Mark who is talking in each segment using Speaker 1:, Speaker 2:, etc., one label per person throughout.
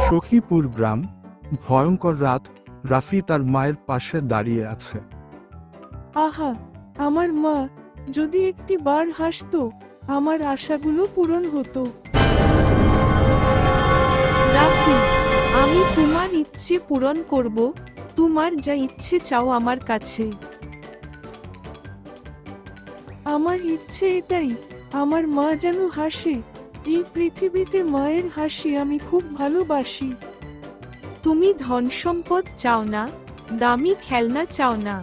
Speaker 1: সখীপুর গ্রাম, ভয়ঙ্কর রাত। রাফি তার মায়ের পাশে দাঁড়িয়ে আছে।
Speaker 2: আহা, আমার মা যদি একটি বার হাসতো, আমার আশাগুলো পূরণ হতো।
Speaker 3: রাফি, আমি তোমার ইচ্ছে পূরণ করব। তোমার যা ইচ্ছে চাও আমার কাছে।
Speaker 2: আমার ইচ্ছে এটাই, আমার মা যেন হাসে। এই পৃথিবীতে মায়ের হাসি আমি খুব ভালোবাসি।
Speaker 3: তুমি ধন সম্পদ চাও না, দামি খেলনা চাও না।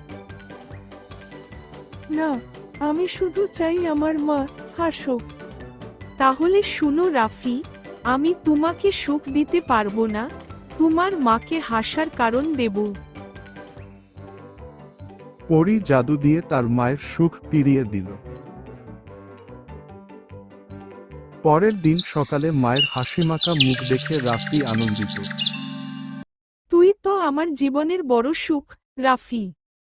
Speaker 2: না, আমি শুধু চাই আমার মা হাসুক।
Speaker 3: তাহলে শুনো রাফি, আমি তোমাকে সুখ দিতে পারবো না, তোমার মাকে হাসার কারণ দেব।
Speaker 1: পরী জাদু দিয়ে তার মায়ের সুখ ফিরিয়ে দিল। পরের দিন সকালে মায়ের হাসিমাখা মুখ দেখে রাফি আনন্দিত।
Speaker 3: তুই তো আমার জীবনের বড় সুখ, রাফি।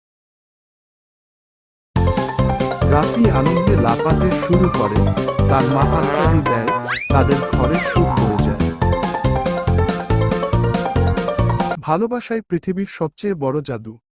Speaker 1: রাফি আনন্দে লাফাতে শুরু করে, তার মা হাততালি দেয়, তাদের ঘরে সুখ হয়ে যায়। ভালোবাসাই পৃথিবীর সবচেয়ে বড় জাদু।